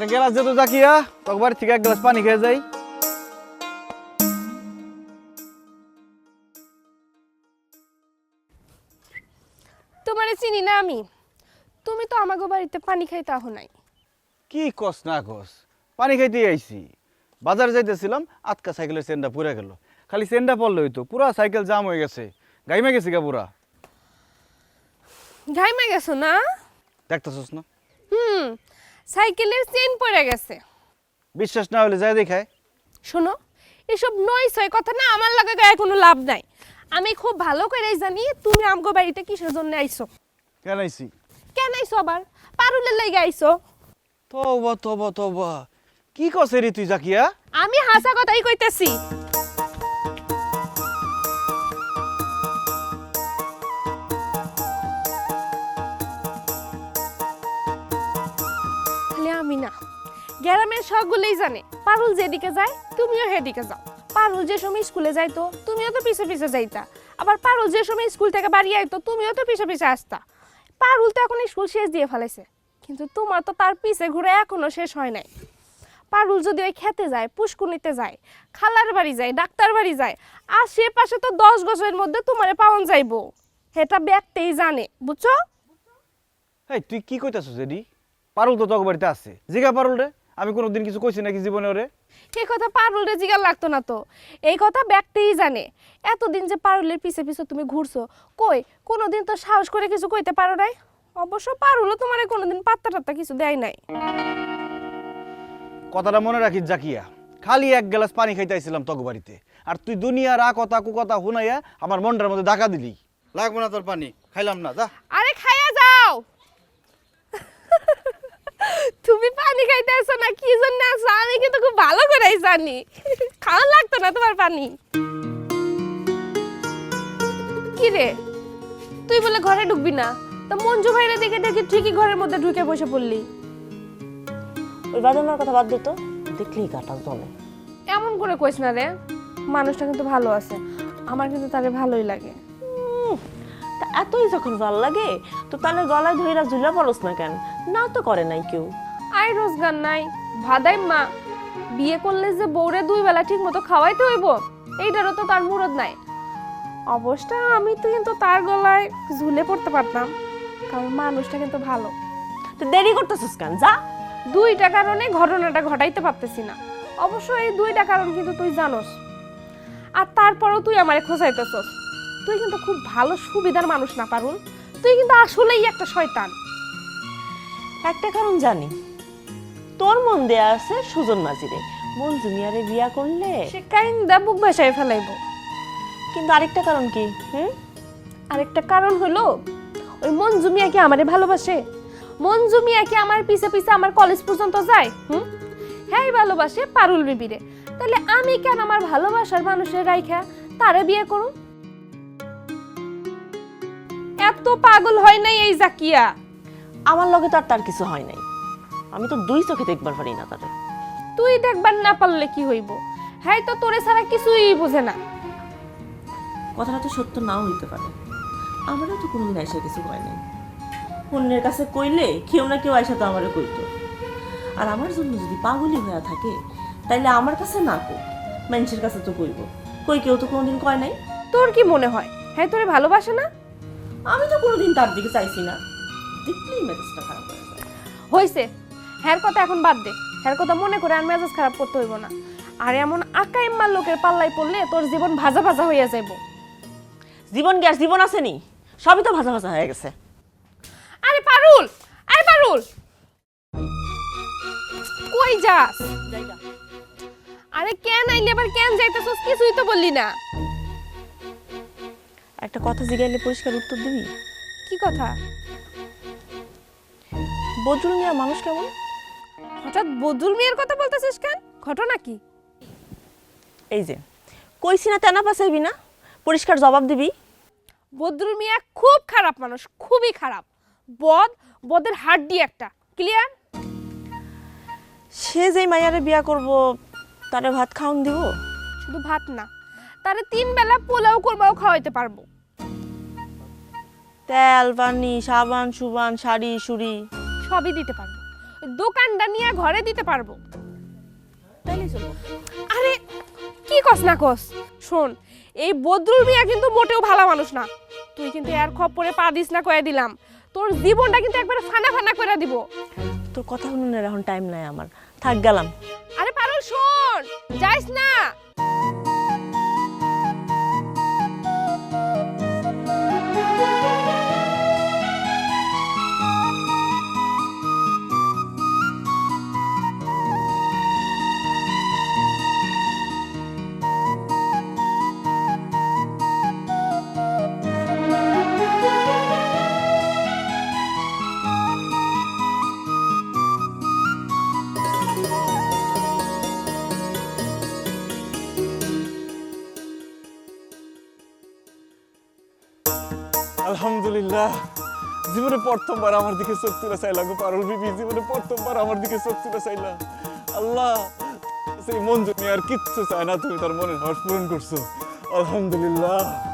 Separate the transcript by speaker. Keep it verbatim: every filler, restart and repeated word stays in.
Speaker 1: একটা গ্লাস দে তো জাকিয়া, তোর বাড়ি থেকে এক গ্লাস পানি খেয়ে যাই।
Speaker 2: তোমারে চিনি না আমি, তুমি তো আমাগো বাড়িতে পানি খাইতে আহো নাই।
Speaker 1: কি কস না কস, পানি খাইতে আইছি। বাজারে যাইতেছিলাম, আটকা সাইকেলের চেনটা পুড়ে গেল। খালি চেনটা পড়লে হইতো, পুরা সাইকেল জাম হয়ে গেছে, গাইমে গেছি গা পুরা।
Speaker 2: ঘাইমা গেছো না?
Speaker 1: দেখতেছস না?
Speaker 2: হুম, সাইকেলের চেন পড়ে গেছে।
Speaker 1: বিশ্বাস না হলে যাই দেখায়।
Speaker 2: শোনো, এসব নয় ছয় কথা না আমার লাগে গায়ে কোনো লাভ নাই। আমি খুব ভালো করেই জানি তুমি আমগো বাড়িতে কিসের জন্য আইছো।
Speaker 1: কেন আইছি?
Speaker 2: কেন আইছো আবার? পারুলের লাইগা আইছো?
Speaker 1: তবা তবা তবা, কি কস রে তুই জাকিয়া?
Speaker 2: আমি হাসা কথাই কইতেছি। খালি আমি না, গ্রামের সবগুলোই জানে পারুল যেদিকে যায় তুমিও সেদিকে যাও। পারুল যে সময় স্কুলে যাইতো তুমিও তো পিছে পিছে যাইতা, আবার পারুল যে সময় স্কুল থেকে বাড়ি আইতো তুমিও তো পিছে পিছে আসতা। পারুল তো এখন স্কুল শেষ দিয়ে ফেলাইছে, কিন্তু তোমার তো তার পিছে ঘুরে এখনো শেষ হয় নাই। পারুল যদি ওই খেতে যায়, পুষ্কুনিতে যায়, খালার বাড়ি যায়, ডাক্তার বাড়ি যায়, আশেপাশে তো দশ গজের মধ্যে তোমারে পাওন যাইবো। সেটা ব্যক্তিই জানে, বুঝছো?
Speaker 1: এই তুই কি কইতাছস এডি? পারুল তো তোর বাড়িতে আছে, জিগা পারুল রে। আমি কোনোদিন কিছু কইছি নাকি জীবনে ওরে?
Speaker 2: এই কথা পারুল রে জিগার লাগতো না তো, এই কথা ব্যক্তিই জানে। এতদিন যে পারুলের পিছে পিছে তুমি ঘুরছো, কই কোনোদিন তো সাহস করে কিছু কইতে পারো নাই। অবশ্য পারুলও তোমারে কোনোদিন পাত্তা টাত্তা কিছু দেয় নাই।
Speaker 1: কথাটা মনে রাখিস জাকিয়া, খালি এক গ্লাস পানি খাইতে আইছিলাম তোর বাড়িতে, আর তুই দুনিয়ার আ কথা কু কথা শুনাইয়া আমার মনটার মধ্যে ডাকা দিলি। লাগবে না তোর পানি, খাইলাম না, যা।
Speaker 2: আরে খাইয়া যাও। তুমি পানি খাইতে আসো না, কি জন্য আসো আমি কিন্তু খুব ভালো করেই জানি। খাওয়া লাগতো না তোমার পানি। কি রে, তুই বলে ঘরে ঢুকবি না, তা মঞ্জু ভাইরে দেখে দেখে ঠিকই ঘরের মধ্যে ঢুকে বসে পড়লি।
Speaker 3: ওই বাদামার কথা বাদ দিত, দেখলেই কাটা জমে।
Speaker 2: এমন করে কইস না রে, মানুষটা কিন্তু ভালো আছে, আমার কিন্তু তারে ভালোই লাগে।
Speaker 3: তা এতই যখন ভাল লাগে তো তাহলে গলায় ধইরা ঝুলা পড়স না কেন? না তো করে নাই কেউ।
Speaker 2: আই রোজগার নাই, ভাদাই মা বিয়ে করলে যে বউরে দুই বেলা ঠিক মতো খাওয়াইতে হইব, এইটারও তো তার মুরদ নাই। অবশ্য আমি তো কিন্তু তার গলায় ঝুলে পড়তে পারতাম, কারণ মানুষটা কিন্তু ভালো।
Speaker 3: তো দেরি করতেছিস কেন? যা।
Speaker 2: দুইটা কারণে ঘটনাটা ঘটাইতে পারতেছি না। অবশ্য এই দুইটা কারণ কিন্তু তুই জানোস, আর তারপরেও তুই আমারে খোঁজাইতেছস। তুই কিন্তু খুব ভালো সুবিধার মানুষ না পারুল, তুই কিন্তু আসলেই একটা শয়তান।
Speaker 3: একটা কারণ জানি, তোর মন দেয়া আছে সুজন মাঝিরে, মন জুনিয়ারে বিয়া করলে।
Speaker 2: সে কাইন্দা বুক ভাসায় ফেলাইব।
Speaker 3: কিন্তু আরেকটা কারণ কি? হুম,
Speaker 2: আরেকটা কারণ হলো ওই মঞ্জু মিয়া কি আমারে ভালোবাসে? মঞ্জু মিয়া কি আমার পিছে পিছে আমার কলেজ পর্যন্ত যায়? হুম, হ্যাঁ ভালোবাসে পারুল বিবিরে। তাহলে আমি কেন আমার ভালোবাসার মানুষের রাইখা তারে বিয়ে করুম? এত পাগল হয় নাই এই জাকিয়া।
Speaker 3: আমার লগে তো আর তার কিছু হয় নাই, আমি তো দুই চোখে দেখবার পারি না তারে।
Speaker 2: তুই দেখবার না পারলে কি হইব? হ্যাঁ তো তোরে ছাড়া কিছুই বোঝে না।
Speaker 3: কথাটা তো সত্য নাও হইতে পারে, আমারও তো কোনোদিন আইসা কিছু হয় নাই। অন্যের কাছে কইলে কেউ না কেউ আইসা তো আমারও কইতো। আর আমার জন্য যদি পাগলি হয়ে থাকে তাইলে আমার কাছে না কই, মানুষের কাছে তো কইব। কই কেউ তো কোনোদিন কয় নাই।
Speaker 2: তোর কি মনে হয় হ্যাঁ তোরে ভালোবাসে না?
Speaker 3: আমি তো কোনোদিন তার দিকে চাইছি না, দেখলেই মেজাজটা খারাপ হয়ে যায়।
Speaker 2: হইছে, হ্যার কথা এখন বাদ দে। হ্যার কথা মনে করে আর মেজাজ খারাপ করতে হইব না। আর এমন আকা ইম্মার লোকের পাল্লায় পড়লে তোর জীবন ভাজা ভাজা হইয়া যাইব।
Speaker 3: জীবন গ্যাস জীবন আসেনি, সবই তো ভাজা ভাজা হয়ে গেছে।
Speaker 2: আরে পারুল, আরে পারুল, কই যাস? আরে কেন আইলি আবার কেন যাইতেছস? কিছুই তো বললি না।
Speaker 3: একটা কথা জিগাইলে পরিষ্কার উত্তর দিবি?
Speaker 2: কি কথা?
Speaker 3: বজরুল মিয়া মানুষ কেমন?
Speaker 2: হঠাৎ বদরুল মিয়ার কথা বলতেছিস কেন? ঘটনা কি?
Speaker 3: এই যে কইছি না তেনা পাসাইবি না, পরিষ্কার জবাব দিবি।
Speaker 2: বদরুল মিয়া খুব খারাপ মানুষ, খুবই খারাপ। বদ, বদের হাড্ডি একটা। ক্লিয়ার?
Speaker 3: সে যেই মাইয়ারে বিয়া করব তারে ভাত খাওন দিব?
Speaker 2: শুধু ভাত না, তারে তিন বেলা পোলাও করবাও খাওয়াইতে পারবো।
Speaker 3: তেল পানি সাবান সুবান শাড়ি সুড়ি
Speaker 2: সবই দিতে পারবো। ওই দোকানটা নিয়ে ঘরে দিতে পারবো।
Speaker 3: তাইলে চলো।
Speaker 2: আরে কি কস না কস, শোন এই বদরুল মিয়া কিন্তু মোটেও ভালো মানুষ না। তুই কিন্তু এর খপ্পরে পা দিস না, কয়ে দিলাম। তোর জীবনটা কিন্তু একবারে ফানা ফানা করে দিব।
Speaker 3: তোর কথা শুনুনের এখন টাইম নাই আমার, থাক গেলাম।
Speaker 2: আরে পারুল শোন, যাইস না।
Speaker 4: আলহামদুলিল্লাহ, জীবনে প্রথমবার আমার দিকে চোখ তুলে চাইলা গো পারুল বিবি, জীবনে প্রথমবার আমার দিকে চোখ তুলে চাইলা। আল্লাহ, সেই মন জমি আর কিচ্ছু চায় না, তুমি তার মনের হর্ষ পূরণ করছো। আলহামদুলিল্লাহ।